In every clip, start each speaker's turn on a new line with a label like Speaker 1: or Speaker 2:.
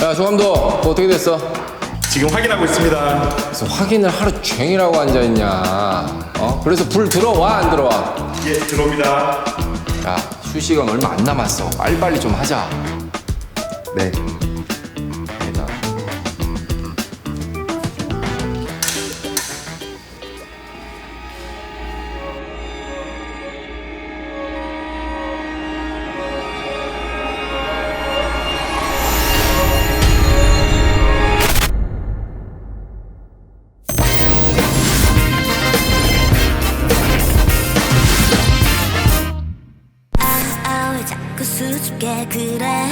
Speaker 1: 자, 조감독, 그거 어떻게 됐어?
Speaker 2: 지금 확인하고 있습니다.
Speaker 1: 그래서 확인을 하루 종일하고 앉아있냐? 그래서 불 들어와, 안 들어와?
Speaker 2: 예, 들어옵니다.
Speaker 1: 야, 휴식은 얼마 안 남았어. 빨리빨리 좀 하자.
Speaker 2: 네.
Speaker 1: 일단.
Speaker 3: 왜 자꾸 수줍게 그래.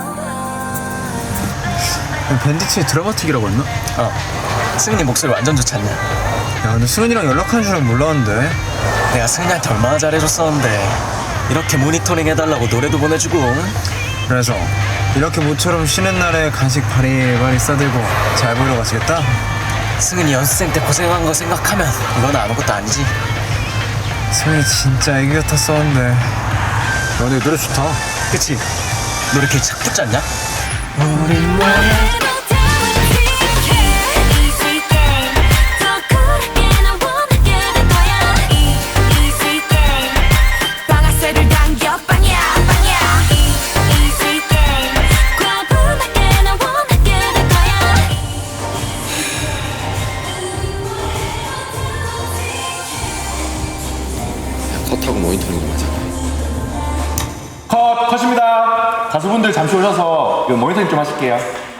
Speaker 4: 밴디츠의 드라마틱이라고 했나?
Speaker 5: 승은이 목소리 완전 좋지 않냐?
Speaker 4: 야 근데 승은이랑 연락하는 줄은 몰랐는데.
Speaker 5: 내가 승은이한테 얼마나 잘해줬었는데 이렇게 모니터링 해달라고 노래도 보내주고.
Speaker 4: 그래서 이렇게 모처럼 쉬는 날에 간식 바리바리 싸들고 잘 보이러 가시겠다?
Speaker 5: 승은이 연습생 때 고생한 거 생각하면 이건 아무것도 아니지.
Speaker 4: 승은이 진짜 애기 같았었는데. 야 근데 노래 좋다.
Speaker 5: 그치? 노래 걔 착 붙지 않냐?
Speaker 3: 우린 왜
Speaker 1: 컷하고 모니터링 좀 하자.
Speaker 2: 컷입니다. 가수분들 잠시 오셔서 이거 모니터링 좀 하실게요.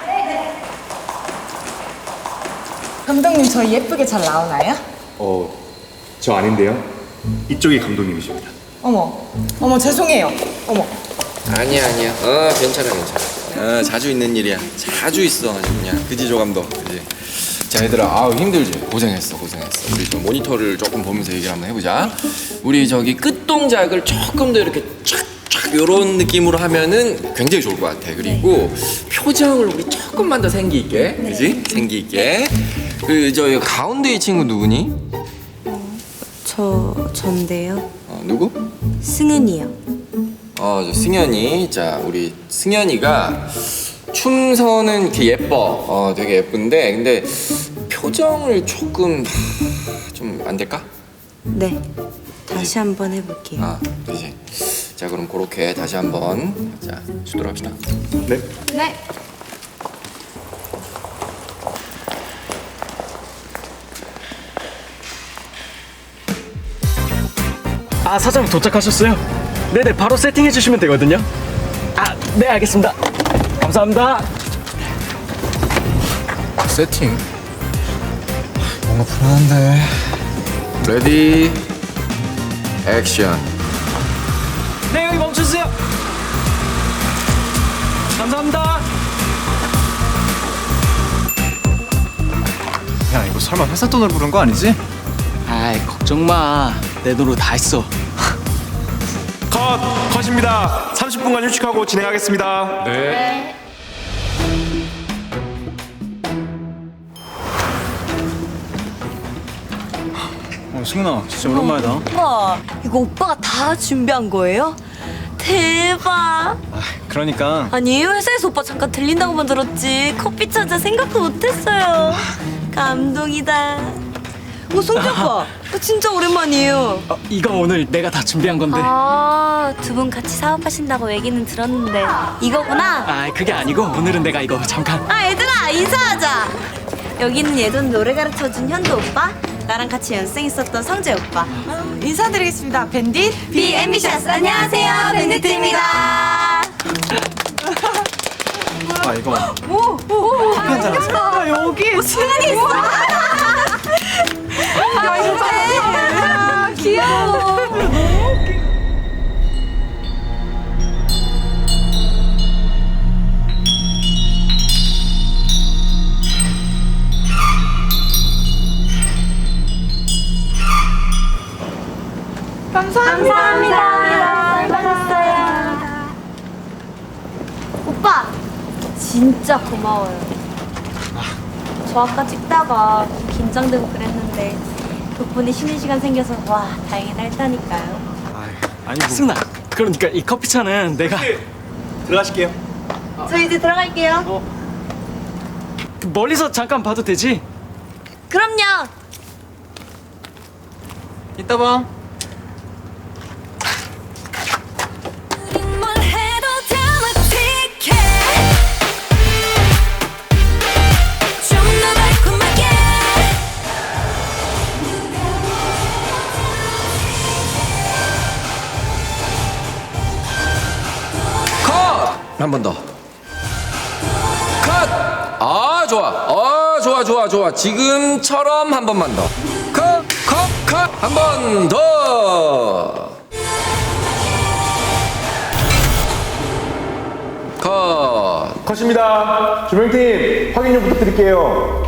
Speaker 6: 감독님 저희 예쁘게 잘 나오나요?
Speaker 2: 저 아닌데요. 이쪽이 감독님이십니다.
Speaker 6: 어머 죄송해요. 어머
Speaker 1: 아니야. 괜찮아. 자주 있는 일이야. 자주 있어, 아주 그냥. 그지, 조감독? 그지? 자, 얘들아, 아우, 힘들지? 고생했어. 우리 좀 모니터를 조금 보면서 얘기를 한번 해보자. 우리 저기 끝 동작을 조금 더 이렇게 촥촥 요런 느낌으로 하면은 굉장히 좋을 것 같아. 그리고 표정을 우리 조금만 더 생기 있게, 그지? 생기 있게. 저 가운데 이 친구 누구니?
Speaker 7: 전데요.
Speaker 1: 누구?
Speaker 7: 승은이요.
Speaker 1: 저 승현이. 자, 우리 승현이가 춤선은 이렇게 예뻐. 되게 예쁜데, 근데 표정을 조금 좀 안 될까?
Speaker 7: 네. 다시 한번 해볼게요.
Speaker 1: 그지. 자, 그럼 그렇게 다시 한번 자 주도록 합시다.
Speaker 2: 네.
Speaker 6: 네.
Speaker 5: 사장님 도착하셨어요? 네네, 바로 세팅해 주시면 되거든요. 네, 알겠습니다. 감사합니다.
Speaker 4: 세팅? 뭔가 불안한데.
Speaker 1: 레디 액션.
Speaker 5: 네, 여기 멈춰주세요. 감사합니다.
Speaker 4: 야 이거 설마 회사 돈을 부른 거 아니지?
Speaker 5: 아이, 걱정 마. 내 돈으로 다 했어.
Speaker 2: 컷입니다. 30분간 휴식하고 진행하겠습니다.
Speaker 1: 네.
Speaker 4: 승은아 진짜 오랜만이다.
Speaker 7: 오빠, 이거 오빠가 다 준비한 거예요? 대박.
Speaker 4: 그러니까
Speaker 7: 아니, 회사에서 오빠 잠깐 들린다고만 들었지 커피 찾아 생각도 못했어요. 감동이다. 승재 오빠, 이거 진짜 오랜만이에요.
Speaker 5: 이거 오늘 내가 다 준비한 건데.
Speaker 7: 두 분 같이 사업하신다고 얘기는 들었는데 이거구나.
Speaker 5: 그게 아니고 오늘은 내가 이거 잠깐.
Speaker 7: 얘들아, 인사하자. 여기는 예전 노래 가르쳐준 현도 오빠, 나랑 같이 연습생했었던 성재 오빠.
Speaker 6: 인사드리겠습니다. 밴딧
Speaker 7: 비 앰비셔스. 안녕하세요, 밴디트입니다.
Speaker 4: 이거
Speaker 6: 여기
Speaker 7: 승은이 있어.
Speaker 6: 귀여워.
Speaker 7: 감사합니다. 받았어요. 오빠, 진짜 고마워요. 저 아까 찍다가 좀 긴장되고 그랬는데 덕분에 쉬는 시간 생겨서 와, 다행이다 했다니까요.
Speaker 4: 아니 뭐.
Speaker 5: 승나, 그러니까 이 커피차는 내가.
Speaker 2: 들어가실게요.
Speaker 7: 저 이제 들어갈게요.
Speaker 5: 멀리서 잠깐 봐도 되지?
Speaker 7: 그럼요.
Speaker 5: 이따 봐.
Speaker 3: 뭘 해도 드라마틱해 좀 더 달콤하게
Speaker 1: 컷! 한 번 더. 컷! 아, 좋아. 좋아, 좋아, 좋아. 지금처럼 한 번만 더. 컷, 컷, 컷. 한 번 더. 컷.
Speaker 2: 컷입니다. 조명팀 확인 좀 부탁드릴게요.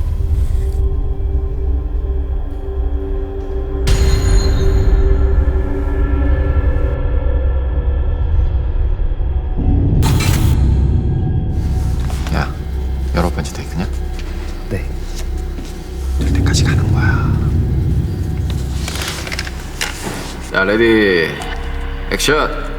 Speaker 1: 야, 여러 번째 테이크냐?
Speaker 4: 네.
Speaker 1: 될 때까지 가는 거야. 야, 레디. 액션.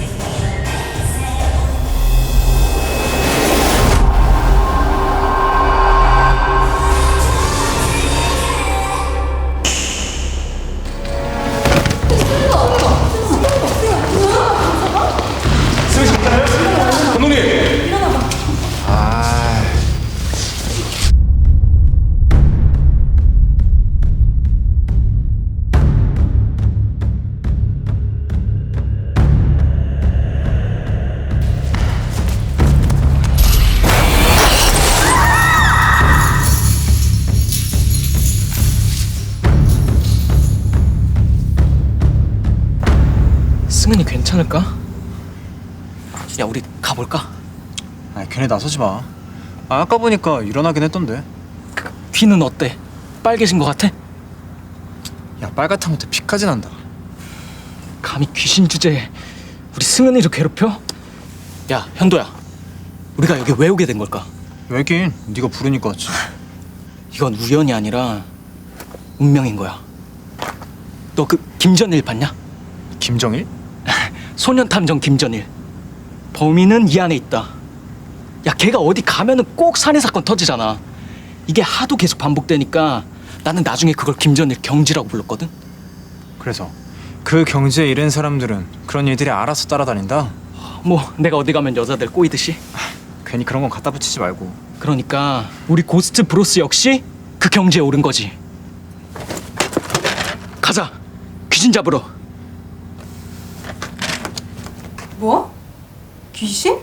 Speaker 2: 감독님.
Speaker 1: 아.
Speaker 5: 승은이 괜찮을까? 야, 우리 가볼까?
Speaker 4: 아니 걔네 나서지 마. 아까 보니까 일어나긴 했던데.
Speaker 5: 귀는 어때? 빨개진 것 같아?
Speaker 4: 야 빨갛다못해 피까지 난다.
Speaker 5: 감히 귀신 주제에 우리 승은이를 괴롭혀? 야, 현도야. 우리가 여기 왜 오게 된 걸까?
Speaker 4: 왜긴 네가 부르니까 왔지.
Speaker 5: 이건 우연이 아니라 운명인 거야. 너 그 김전일 봤냐?
Speaker 4: 김정일?
Speaker 5: 소년탐정 김전일. 범인은 이 안에 있다. 야, 걔가 어디 가면은 꼭 살인 사건 터지잖아. 이게 하도 계속 반복되니까 나는 나중에 그걸 김전일 경지라고 불렀거든.
Speaker 4: 그래서 그 경지에 이른 사람들은 그런 일들이 알아서 따라다닌다.
Speaker 5: 뭐 내가 어디 가면 여자들 꼬이듯이.
Speaker 4: 괜히 그런 건 갖다 붙이지 말고.
Speaker 5: 그러니까 우리 고스트 브로스 역시 그 경지에 오른 거지. 가자, 귀신 잡으러.
Speaker 6: 뭐? 귀신?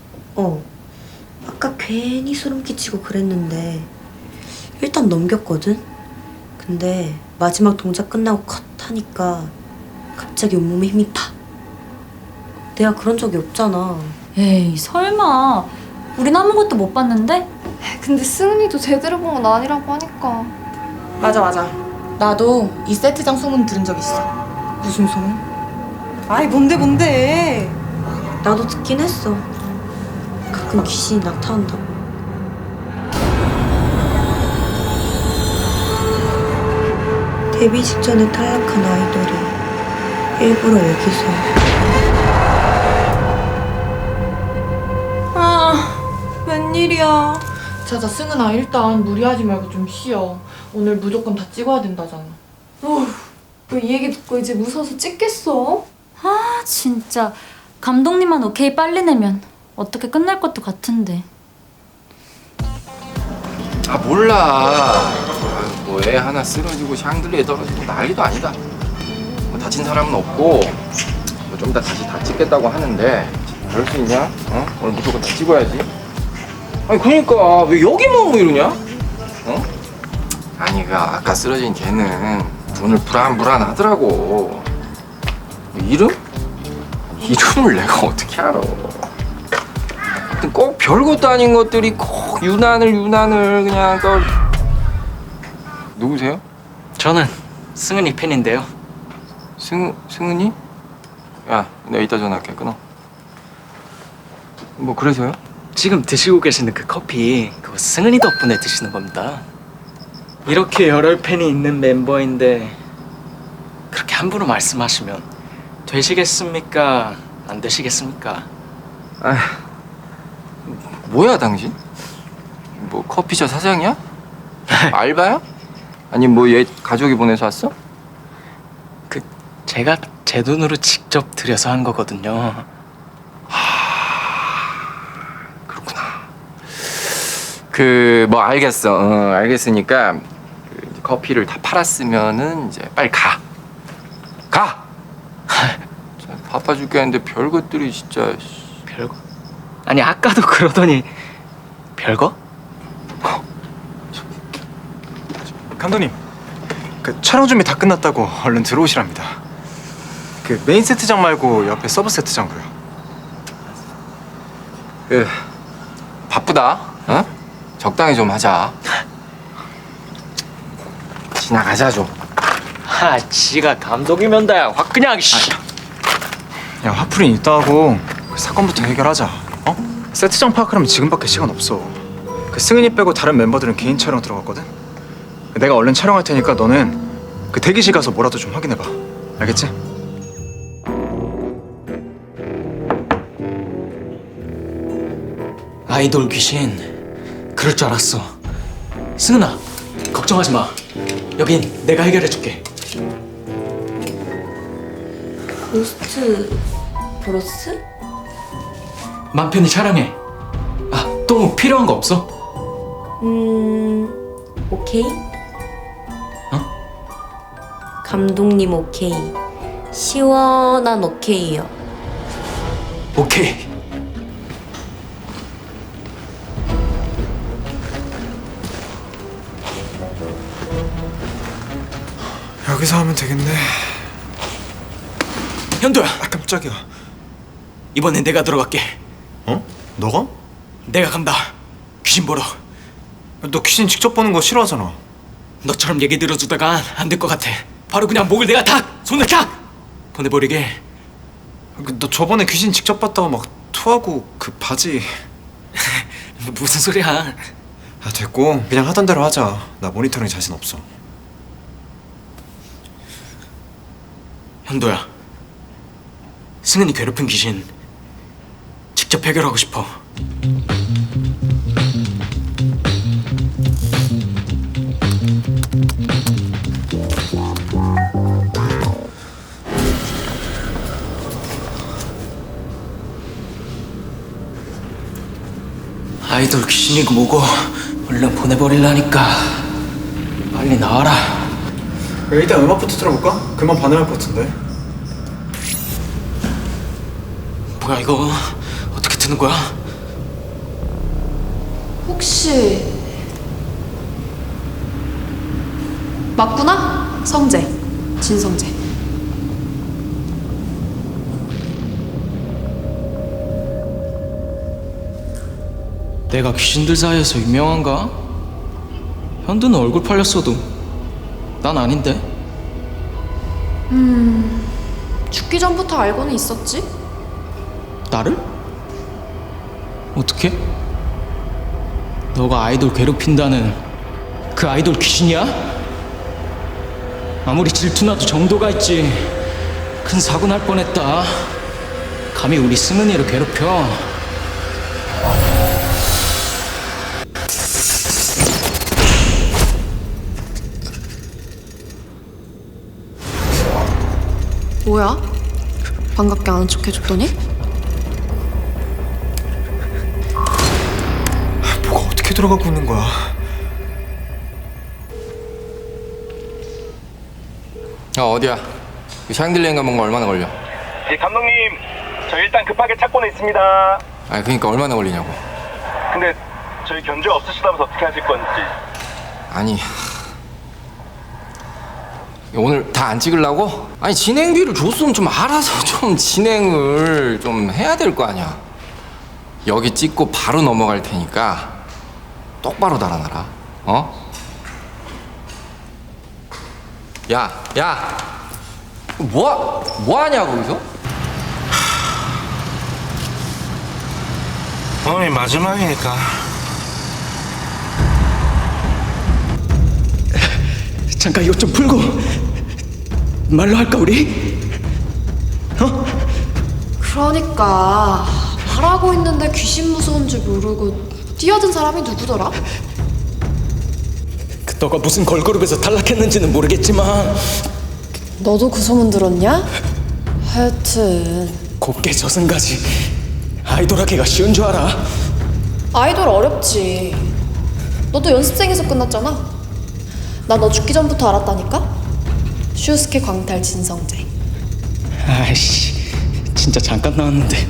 Speaker 8: 아까 괜히 소름 끼치고 그랬는데 일단 넘겼거든? 근데 마지막 동작 끝나고 컷 하니까 갑자기 온몸에 힘이 팍. 내가 그런 적이 없잖아.
Speaker 7: 에이, 설마. 우린 아무것도 못 봤는데?
Speaker 9: 근데 승은이도 제대로 본 건 아니라고 하니까.
Speaker 6: 맞아. 나도 이 세트장 소문 들은 적 있어. 무슨 소문? 아이 뭔데?
Speaker 8: 나도 듣긴 했어. 가끔 귀신이 나타난다고. 데뷔 직전에 탈락한 아이돌이 일부러 여기서.
Speaker 6: 아 웬일이야. 자자 승은아, 일단 무리하지 말고 좀 쉬어. 오늘 무조건 다 찍어야 된다잖아.
Speaker 9: 왜 이 얘기 듣고 이제 무서워서 찍겠어?
Speaker 7: 아, 진짜. 감독님만 오케이 빨리 내면 어떻게 끝날 것도 같은데.
Speaker 1: 아, 몰라. 뭐 애 하나 쓰러지고 샹들리에 떨어지고 난리도 아니다. 뭐 다친 사람은 없고 뭐 좀 이따 다시 다 찍겠다고 하는데 그럴 수 있냐? 오늘 무조건 다 찍어야지. 아니 그러니까 왜 여기만 뭐 이러냐? 아니 그 아까 쓰러진 걔는 오늘 불안하더라고. 이름? 이름을 내가 어떻게 알아? 하여튼 꼭 별것도 아닌 것들이 꼭 유난을 그냥 또. 누구세요?
Speaker 5: 저는 승은이 팬인데요.
Speaker 1: 승은이? 야, 내가 이따 전화할게. 끊어. 뭐 그래서요?
Speaker 5: 지금 드시고 계시는 그 커피, 그거 승은이 덕분에 드시는 겁니다. 이렇게 여러 팬이 있는 멤버인데 그렇게 함부로 말씀하시면 되시겠습니까? 안 되시겠습니까?
Speaker 1: 아, 뭐야 당신? 뭐 커피숍 사장이야? 알바야? 아니 뭐 얘 가족이 보내서 왔어?
Speaker 5: 그 제가 제 돈으로 직접 들여서 한 거거든요.
Speaker 1: 그렇구나. 그 뭐 알겠어. 알겠으니까 그 이제 커피를 다 팔았으면은 이제 빨리 가. 진짜 바빠 죽겠는데 별것들이 진짜.
Speaker 5: 별거? 아니 아까도 그러더니 별거?
Speaker 4: 감독님, 그 촬영 준비 다 끝났다고 얼른 들어오시랍니다. 그 메인 세트장 말고 옆에 서브 세트장도요.
Speaker 1: 그 바쁘다. 어? 적당히 좀 하자. 지나가자 좀.
Speaker 5: 지가 감독이면 다야 확 그냥 씨.
Speaker 4: 야, 화풀이 있다 하고 그 사건부터 해결하자. 어? 세트장 파악하려면 지금밖에 시간 없어. 그 승은이 빼고 다른 멤버들은 개인 촬영 들어갔거든. 내가 얼른 촬영할 테니까 너는 그 대기실 가서 뭐라도 좀 확인해봐. 알겠지?
Speaker 5: 아이돌 귀신 그럴 줄 알았어. 승은아 걱정하지 마. 여긴 내가 해결해줄게.
Speaker 8: 고스트 브로스?
Speaker 5: 맘 편히 촬영해. 또 뭐 필요한 거 없어?
Speaker 8: 오케이. 감독님 오케이. 시원한 오케이요.
Speaker 5: 오케이.
Speaker 4: 여기서 하면 되겠네.
Speaker 5: 현도야
Speaker 4: 깜짝이야.
Speaker 5: 이번엔 내가 들어갈게.
Speaker 4: 어? 너가?
Speaker 5: 내가 간다. 귀신 보러.
Speaker 4: 너 귀신 직접 보는 거 싫어하잖아.
Speaker 5: 너처럼 얘기 들어주다가 안 될 것 같아. 바로 그냥 목을 내가 탁! 손을 탁! 보내버리게.
Speaker 4: 너 저번에 귀신 직접 봤다가 막 토하고 그 바지.
Speaker 5: 무슨 소리야.
Speaker 4: 됐고 그냥 하던 대로 하자. 나 모니터링 자신 없어.
Speaker 5: 현도야 승은이 괴롭힌 귀신 직접 해결하고 싶어. 아이돌 귀신이고 뭐고 얼른 보내버리려니까 빨리 나와라.
Speaker 4: 일단 음악부터 틀어볼까? 그만 반응할 것 같은데.
Speaker 5: 뭐야 이거 어떻게 트는 거야?
Speaker 9: 혹시 맞구나? 성재, 진성재.
Speaker 5: 내가 귀신들 사이에서 유명한가? 현두는 얼굴 팔렸어도 난 아닌데?
Speaker 9: 죽기 전부터 알고는 있었지?
Speaker 5: 나를? 어떻게? 너가 아이돌 괴롭힌다는 그 아이돌 귀신이야? 아무리 질투나도 정도가 있지. 큰 사고 날 뻔했다. 감히 우리 승은이를 괴롭혀.
Speaker 9: 뭐야? 반갑게 아는 척 해줬더니?
Speaker 4: 뭐가 어떻게 들어가고 있는 거야?
Speaker 1: 어디야? 그 샹들리에 가면 거 얼마나 걸려?
Speaker 2: 예, 감독님, 저 일단 급하게 찾고는 있습니다.
Speaker 1: 그러니까 얼마나 걸리냐고.
Speaker 2: 근데 저희 견제 없으시다면서 어떻게 하실 건지.
Speaker 1: 아니 오늘 다 안 찍으려고? 아니 진행비를 줬으면 좀 알아서 좀 진행을 좀 해야 될 거 아니야. 여기 찍고 바로 넘어갈 테니까 똑바로 달아놔라. 어? 야 뭐하냐 거기서?
Speaker 2: 오늘 마지막이니까.
Speaker 5: 잠깐 이것 좀 풀고 말로 할까 우리?
Speaker 9: 그러니까 말하고 있는데 귀신 무서운 줄 모르고 뛰어든 사람이 누구더라?
Speaker 5: 너가 무슨 걸그룹에서 탈락했는지는 모르겠지만
Speaker 9: 너도 그 소문 들었냐? 하여튼
Speaker 5: 곱게 저승까지 아이돌 하기가 쉬운 줄 알아?
Speaker 9: 아이돌 어렵지. 너도 연습생에서 끝났잖아. 나 너 죽기 전부터 알았다니까? 슈스케 광탈 진성재.
Speaker 5: 아이씨, 진짜 잠깐 나왔는데.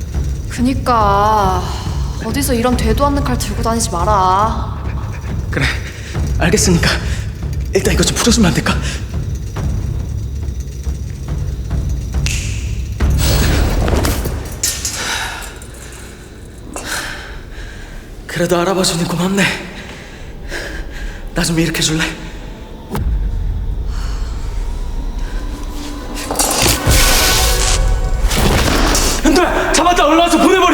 Speaker 9: 그니까 어디서 이런 되도 않는 칼 들고 다니지 마라.
Speaker 5: 그래, 알겠으니까 일단 이거 좀 풀어주면 안 될까? 그래도 알아봐주니 고맙네. 나 좀 일으켜줄래? 현도야, 잡았다. 올라와서 보내버려.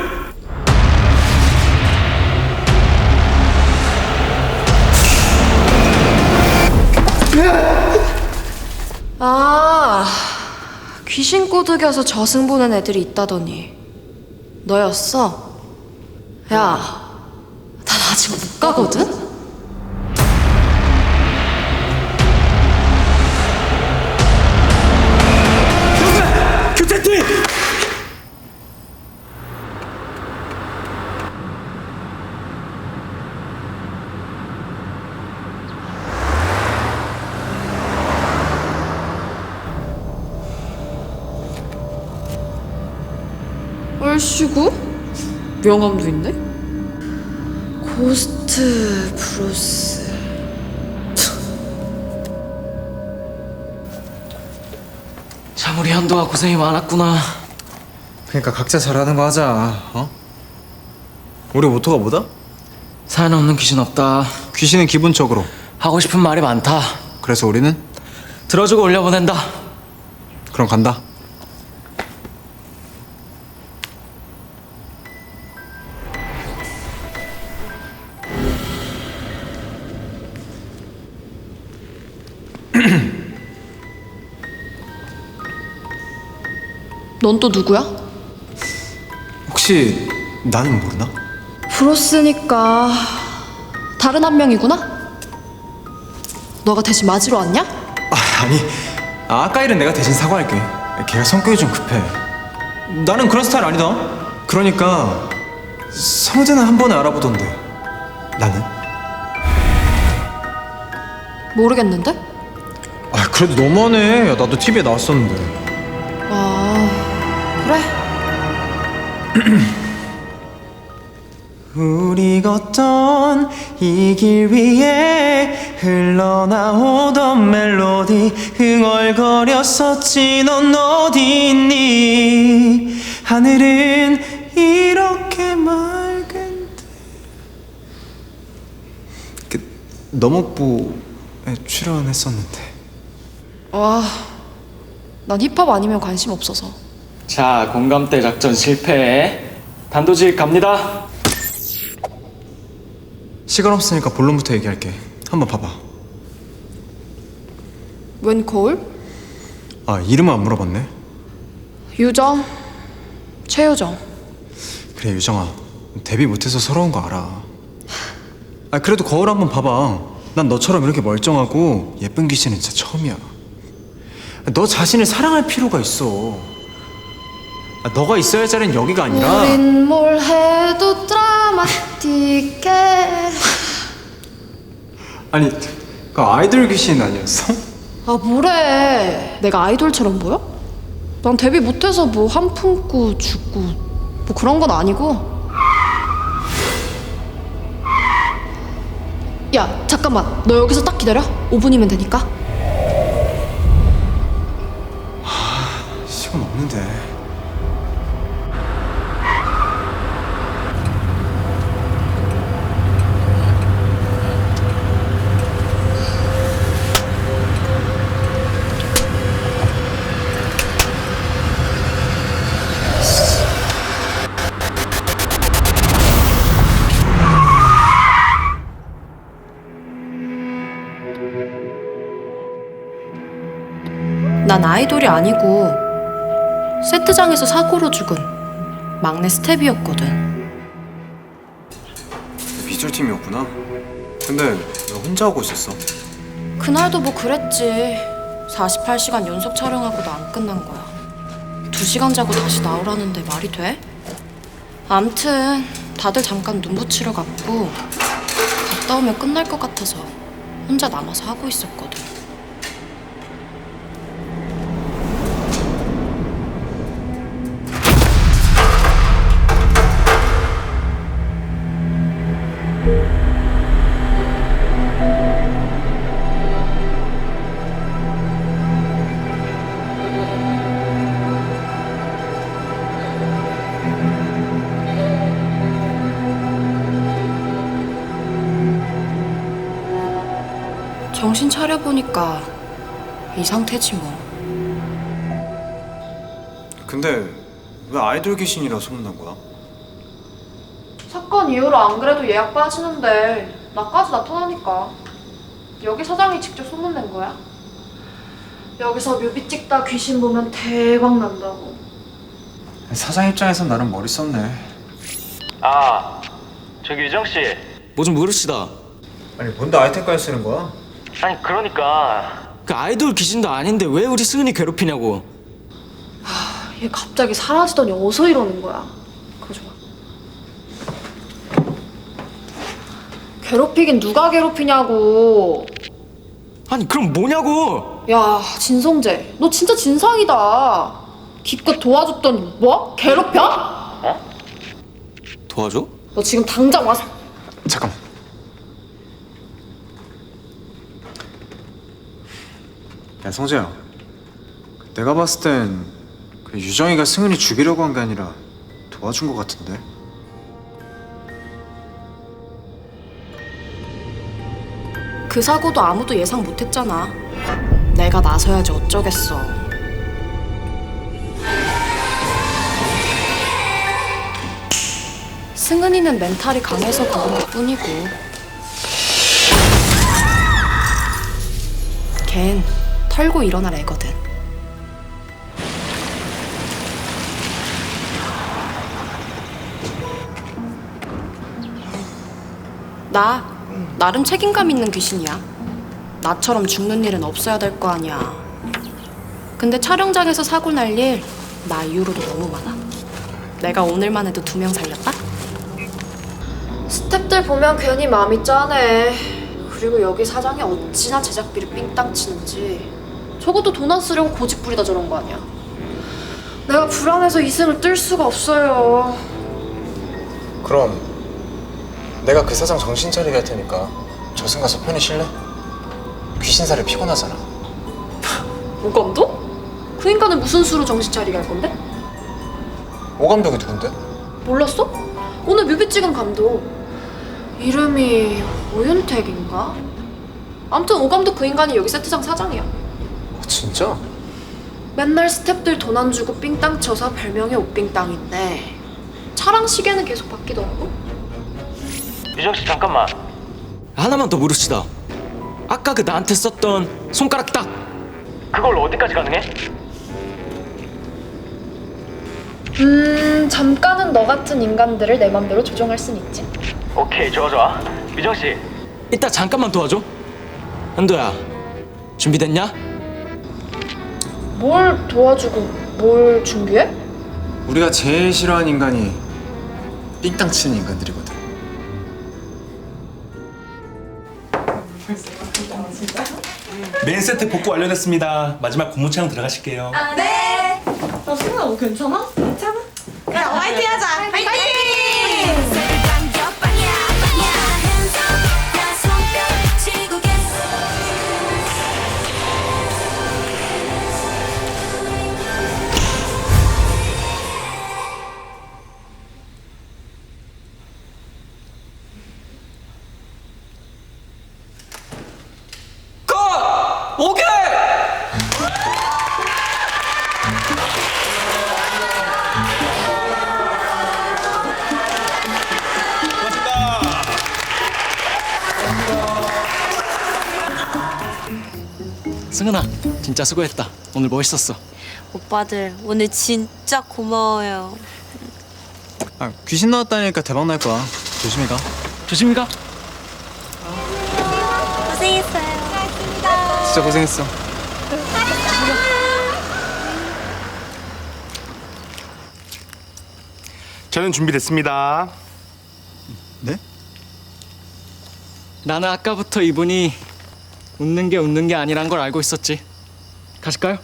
Speaker 9: 아, 귀신 꼬드겨서 저승 보는 애들이 있다더니 너였어? 야, 난 아직 못 가거든?
Speaker 5: 교체팀!
Speaker 9: 얼씨구? 명함도 있네? 고스트 브로스.
Speaker 5: 참 우리 현도가 고생이 많았구나.
Speaker 4: 그러니까 각자 잘하는 거 하자. 어? 우리 모토가 뭐다?
Speaker 5: 사연 없는 귀신 없다.
Speaker 4: 귀신은 기본적으로.
Speaker 5: 하고 싶은 말이 많다.
Speaker 4: 그래서 우리는
Speaker 5: 들어주고 올려보낸다.
Speaker 4: 그럼 간다.
Speaker 9: 넌 또 누구야?
Speaker 4: 혹시 나는 모르나?
Speaker 9: 브로스니까 다른 한 명이구나? 너가 대신 맞으러 왔냐?
Speaker 4: 아니 아까 일은 내가 대신 사과할게. 걔가 성격이 좀 급해. 나는 그런 스타일 아니다. 그러니까 성재는 한 번에 알아보던데 나는?
Speaker 9: 모르겠는데?
Speaker 4: 아 그래도 너무하네. 야, 나도 TV에 나왔었는데.
Speaker 9: 아, 그래?
Speaker 4: 우리 걷던 이 길 위에 흘러나오던 멜로디 흥얼거렸었지. 넌 어디 있니? 하늘은 이렇게 맑은데. 그 너목보에 출연했었는데.
Speaker 9: 와, 난 힙합 아니면 관심 없어서.
Speaker 5: 자, 공감대 작전 실패. 단도직 갑니다.
Speaker 4: 시간 없으니까 본론부터 얘기할게. 한번 봐봐.
Speaker 9: 웬 거울?
Speaker 4: 아 이름은 안 물어봤네.
Speaker 9: 유정, 최유정.
Speaker 4: 그래 유정아, 데뷔 못해서 서러운 거 알아. 아 그래도 거울 한번 봐봐. 난 너처럼 이렇게 멀쩡하고 예쁜 귀신은 진짜 처음이야. 너 자신을 사랑할 필요가 있어. 아, 너가 있어야 할 자리는 여기가 아니라.
Speaker 9: 우린 뭘 해도 드라마틱해.
Speaker 4: 아니 그 아이돌 귀신 아니었어?
Speaker 9: 아, 뭐래. 내가 아이돌처럼 보여? 난 데뷔 못해서 뭐 한 품고 죽고 뭐 그런 건 아니고. 야, 잠깐만. 너 여기서 딱 기다려. 5분이면 되니까.
Speaker 4: 시간 없는데.
Speaker 8: 난 아이돌이 아니고 세트장에서 사고로 죽은 막내 스텝이었거든.
Speaker 4: 기술팀이었구나. 근데 왜 혼자 하고 있었어?
Speaker 9: 그날도 뭐 그랬지. 48시간 연속 촬영하고도 안 끝난 거야. 2시간 자고 다시 나오라는데 말이 돼? 암튼 다들 잠깐 눈 붙이러 갔고 갔다 오면 끝날 것 같아서 혼자 남아서 하고 있었거든. 정신 차려보니까 이 상태지 뭐.
Speaker 4: 근데 왜 아이돌 귀신이라 소문난 거야?
Speaker 9: 사건 이후로 안 그래도 예약 빠지는데 나까지 나타나니까 여기 사장이 직접 소문낸 거야. 여기서 뮤비 찍다 귀신 보면 대박 난다고.
Speaker 4: 사장 입장에선 나름 머리 썼네.
Speaker 5: 아, 저기 유정 씨. 뭐 좀 물읍시다.
Speaker 4: 아니 뭔데 아이템까지 쓰는 거야?
Speaker 5: 아니 그러니까 그 아이돌 귀신도 아닌데 왜 우리 승은이 괴롭히냐고.
Speaker 9: 얘 갑자기 사라지더니 어서 이러는 거야. 그거 좋아. 괴롭히긴 누가 괴롭히냐고.
Speaker 5: 아니 그럼 뭐냐고.
Speaker 9: 야, 진성재, 너 진짜 진상이다. 기껏 도와줬더니 뭐? 괴롭혀?
Speaker 5: 도와줘?
Speaker 9: 너 지금 당장 와서.
Speaker 4: 잠깐만. 야 성재야, 내가 봤을 땐 그 유정이가 승은이 죽이려고 한 게 아니라 도와준 것 같은데.
Speaker 9: 그 사고도 아무도 예상 못했잖아. 내가 나서야지 어쩌겠어. 승은이는 멘탈이 강해서 그런 것뿐이고 걘 털고 일어날 애거든. 나름 책임감 있는 귀신이야. 나처럼 죽는 일은 없어야 될 거 아니야. 근데 촬영장에서 사고 날 일 나 이후로도 너무 많아. 내가 오늘만 해도 2명 살렸다? 스태프들 보면 괜히 마음이 짠해. 그리고 여기 사장이 어찌나 제작비를 삥땅 치는지. 적어도 돈 안 쓰려고 고집 부리다 저런 거 아니야. 내가 불안해서 이승을 뜰 수가 없어요.
Speaker 4: 그럼 내가 그 사장 정신 차리게 할 테니까 저승 가서 편히 쉴래? 귀신살이 피곤하잖아.
Speaker 9: 오감독? 그 인간은 무슨 수로 정신 차리게 할 건데?
Speaker 4: 오감독이 누군데?
Speaker 9: 몰랐어? 오늘 뮤비 찍은 감독. 이름이 오윤택인가? 아무튼 오감독 그 인간이 여기 세트장 사장이야.
Speaker 4: 진짜?
Speaker 9: 맨날 스태프들 돈 안 주고 삥땅 쳐서 별명이 옥삥땅인데 차랑 시계는 계속 바뀌더라고.
Speaker 5: 유정 씨 잠깐만. 하나만 더 물읍시다. 아까 그 나한테 썼던 손가락 딱 그걸로 어디까지 가능해?
Speaker 9: 잠깐은 너 같은 인간들을 내 맘대로 조종할 순 있지.
Speaker 5: 오케이 좋아. 유정 씨 이따 잠깐만 도와줘. 한도야 준비됐냐?
Speaker 9: 뭘 도와주고 뭘 준비해?
Speaker 4: 우리가 제일 싫어하는 인간이 삥땅 치는 인간들이거든.
Speaker 2: 메인 세트 복구 완료됐습니다. 마지막 고무 촬영 들어가실게요.
Speaker 6: 네. 나 승우야 너 괜찮아? 괜찮아. 그래 화이팅 하자. 화이팅.
Speaker 3: 당겨 빵야 빵야 hands up 나 손뼉 치고 계속
Speaker 5: 오케이! 승은아 진짜 수고했다. 오늘 멋있었어.
Speaker 7: 오빠들 오늘 진짜 고마워요.
Speaker 4: 아 귀신 나왔다니까 대박 날 거야. 조심히 가.
Speaker 5: 조심히 가.
Speaker 7: 고생했어요.
Speaker 4: 진짜 고생했어.
Speaker 2: 저는 준비됐습니다.
Speaker 4: 네?
Speaker 5: 나는 아까부터 이분이 웃는 게 아니란 걸 알고 있었지. 가실까요?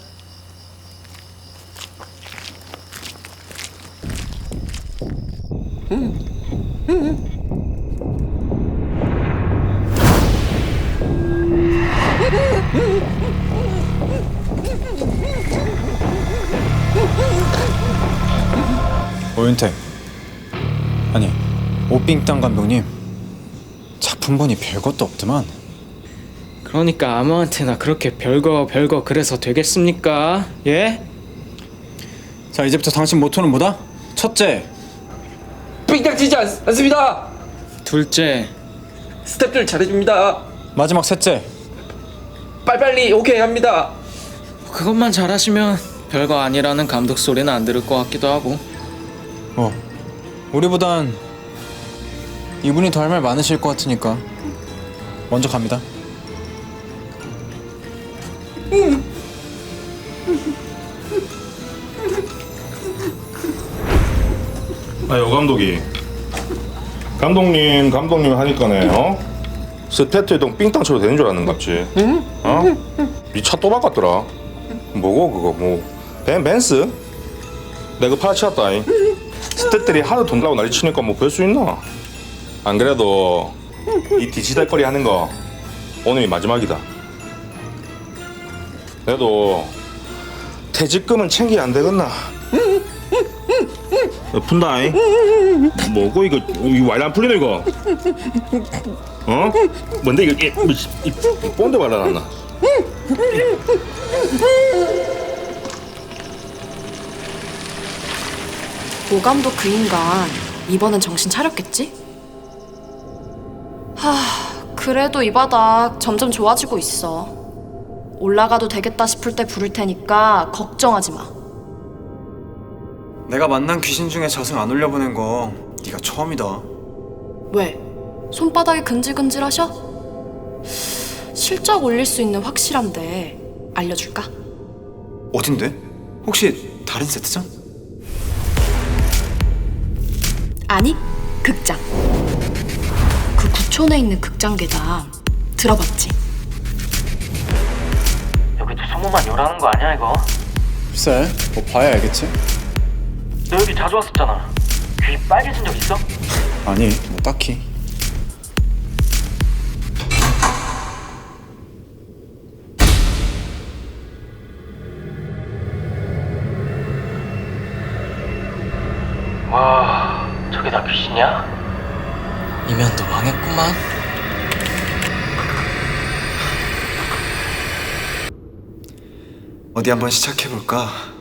Speaker 4: 오윤택. 아니, 오삥땅 감독님. 작품본이 별것도 없더만.
Speaker 5: 그러니까 아무한테나 그렇게 별거 그래서 되겠습니까? 예?
Speaker 4: 자, 이제부터 당신 모토는 뭐다? 첫째,
Speaker 1: 삥땅 치지 않습니다.
Speaker 5: 둘째,
Speaker 1: 스태프들 잘해줍니다.
Speaker 4: 마지막 셋째.
Speaker 1: 빨리빨리 오케이 합니다.
Speaker 5: 그것만 잘하시면 별거 아니라는 감독 소리는 안 들을 것 같기도 하고.
Speaker 4: 우리보단 이분이 더 할 말 많으실 것 같으니까 먼저 갑니다.
Speaker 10: 여 감독이 감독님 하니까네 스태트 동 삥땅 쳐도 되는 줄 아는 갑지. 니 차 또 바꿨더라. 뭐고 그거 뭐 벤스? 내가 팔아치웠다. 스태트들이 하도 돈 달라고 난리 치니까 뭐 별 수 있나? 안 그래도 이 디지털 거리 하는 거 오늘이 마지막이다. 그래도 퇴직금은 챙기야 안 되겠나? 푼다잉. 뭐고 이거 와이드 안 풀리네 이거. 뭔데 이거 이 본드 발라놨나?
Speaker 9: 오감독 그 인간 이번엔 정신 차렸겠지? 그래도 이 바닥 점점 좋아지고 있어. 올라가도 되겠다 싶을 때 부를 테니까 걱정하지 마.
Speaker 4: 내가 만난 귀신 중에 자승 안 올려보낸 거 네가 처음이다.
Speaker 9: 왜? 손바닥이 근질근질하셔? 실적 올릴 수 있는 확실한 데 알려줄까?
Speaker 4: 어딘데? 혹시 다른 세트장?
Speaker 9: 아니, 극장. 그 구촌에 있는 극장 계단 들어봤지?
Speaker 5: 여기도 소문만 요라는 거 아니야 이거?
Speaker 4: 글쎄, 뭐 봐야 알겠지?
Speaker 5: 너 여기 자주 왔었잖아. 귀 빨개진 적 있어?
Speaker 4: 아니, 뭐 딱히.
Speaker 5: 와, 저게 다 귀신이야? 이면도 망했구만.
Speaker 4: 어디 한번 시작해볼까?